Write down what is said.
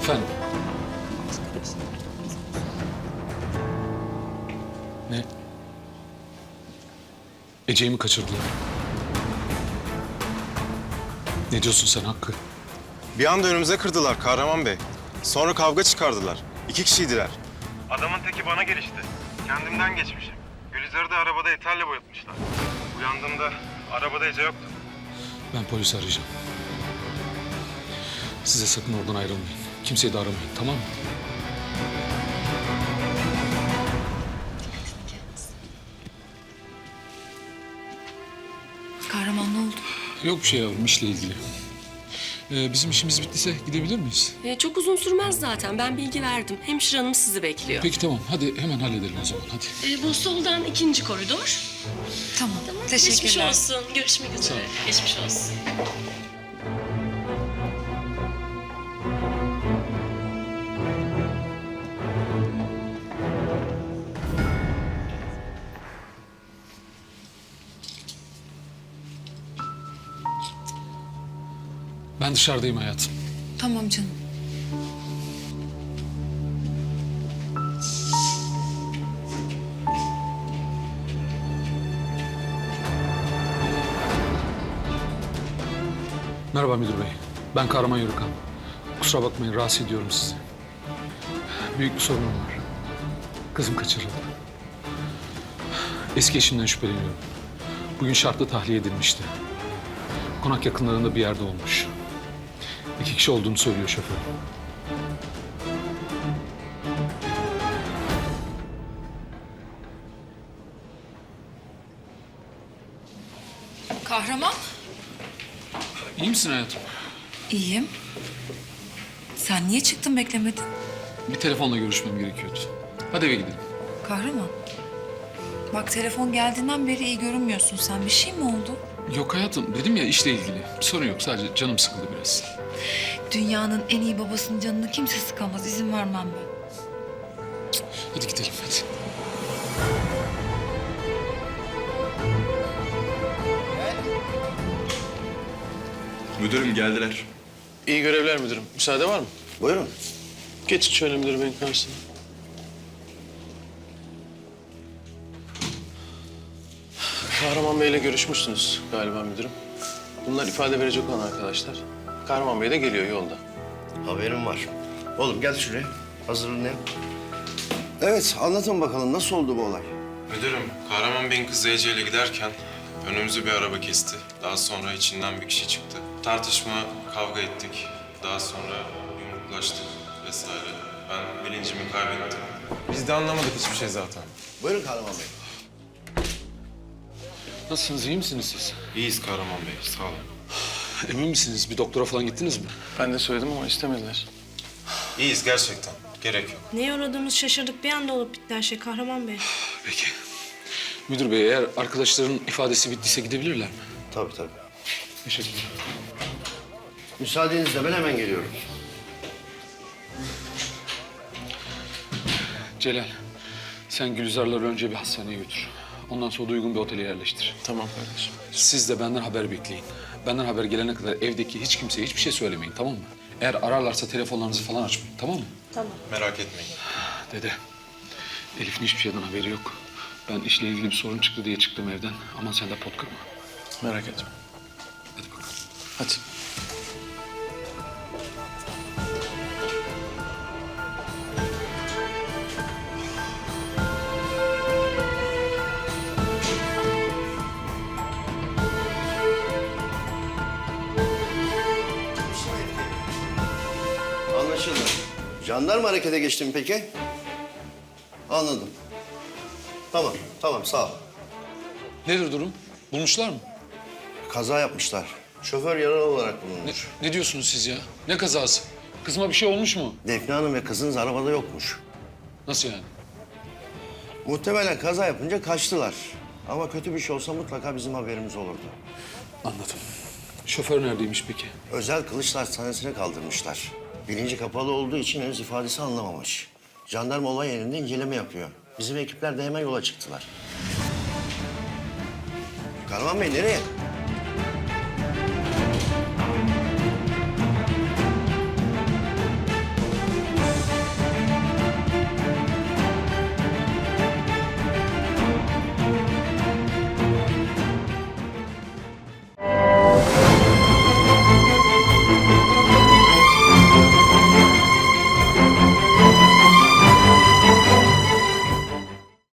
Efendim? Ne? Ece'yi mi kaçırdılar? Ne diyorsun sen Hakkı? Bir anda önümüze kırdılar Kahraman Bey. Sonra kavga çıkardılar. 2 kişiydiler. Adamın teki bana gelişti. Kendimden geçmişim. Gülizar'ı da arabada eterle boyatmışlar. Uyandığımda arabada Ece yoktu. Ben polisi arayacağım. Size sakın oradan ayrılmayın. Kimseyi de aramayın, tamam mı? Kahraman ne oldu? Yok bir şey yavrum, işle ilgili. Bizim işimiz bittiyse gidebilir miyiz? Çok uzun sürmez zaten. Ben bilgi verdim. Hemşire hanım sizi bekliyor. Peki tamam, hadi hemen halledelim o zaman, hadi. Bu soldan 2. koridor. Tamam. Geçmiş Teşekkürler. olsun. Görüşmek üzere. ol. Geçmiş olsun. Ben dışarıdayım hayatım. Tamam canım. Merhaba müdür bey. Ben Kahraman Yörükan. Kusura bakmayın, rahatsız ediyorum sizi. Büyük bir sorunum var. Kızım kaçırıldı. Eski eşimden şüpheleniyorum. Bugün şartlı tahliye edilmişti. Konak yakınlarında bir yerde olmuş. 2 kişi olduğunu söylüyor şoför. Kahraman? İyi misin hayatım? İyiyim. Sen niye çıktın beklemedin? Bir telefonla görüşmem gerekiyordu. Hadi eve gidelim. Kahraman. Bak telefon geldiğinden beri iyi görünmüyorsun sen. Bir şey mi oldu? Yok hayatım, dedim ya işle ilgili. Bir sorun yok, sadece canım sıkıldı biraz. Dünyanın en iyi babasının canını kimse sıkamaz. İzin vermem ben. Hadi gidelim, hadi. Müdürüm geldiler. İyi görevler müdürüm. Müsaade var mı? Buyurun. Geçin şöyle müdür beyin karşısına. Kahraman Bey'le görüşmüşsünüz galiba müdürüm. Bunlar ifade verecek olan arkadaşlar. Kahraman Bey de geliyor yolda. Haberim var. Oğlum gel şuraya. Hazırlanayım. Evet, anlatın bakalım nasıl oldu bu olay? Müdürüm, Kahraman Bey'in kızı Ece ile giderken önümüzü bir araba kesti. Daha sonra içinden bir kişi çıktı. Tartışma, kavga ettik. Daha sonra yumruklaştık vesaire. Ben bilincimi kaybettim. Biz de anlamadık hiçbir şey zaten. Buyurun Kahraman Bey. Nasılsınız, iyi misiniz siz? İyiyiz Kahraman Bey, sağ olun. Emin misiniz? Bir doktora falan gittiniz mi? Ben de söyledim ama istemediler. İyiyiz gerçekten. Gerek yok. Neye uğradığımız şaşırdık. Bir anda olup bitti her şey Kahraman Bey. Peki. Müdür bey, eğer arkadaşların ifadesi bittiyse gidebilirler mi? Tabii tabii. Teşekkürler. Müsaadenizle ben hemen geliyorum. Celal, sen Gülizar'ları önce bir hastaneye götür. Ondan sonra da uygun bir otele yerleştir. Tamam kardeşim. Siz de benden haber bekleyin. Benden haber gelene kadar evdeki hiç kimseye hiçbir şey söylemeyin, tamam mı? Eğer ararlarsa telefonlarınızı falan açmayın, tamam mı? Merak etmeyin. Dede, Elif'in hiçbir şeyden haberi yok. Ben işle ilgili bir sorun çıktı diye çıktım evden. Aman sen de pot kırma. Merak etme. Hadi bakalım. Hadi. Anlaşıldı. Jandarma harekete geçti mi peki? Anladım. Tamam, tamam sağ ol. Nedir durum? Bulmuşlar mı? Kaza yapmışlar. Şoför yaralı olarak bulunmuş. Ne diyorsunuz siz ya? Ne kazası? Kızıma bir şey olmuş mu? Defne Hanım ve kızınız arabada yokmuş. Nasıl yani? Muhtemelen kaza yapınca kaçtılar. Ama kötü bir şey olsa mutlaka bizim haberimiz olurdu. Anladım. Şoför neredeymiş peki? Özel kılıçlar hastanesine kaldırmışlar. Bilinci kapalı olduğu için henüz ifadesi anlamamış. Jandarma olay yerinde inceleme yapıyor. Bizim ekipler de hemen yola çıktılar. Kahraman Bey nereye?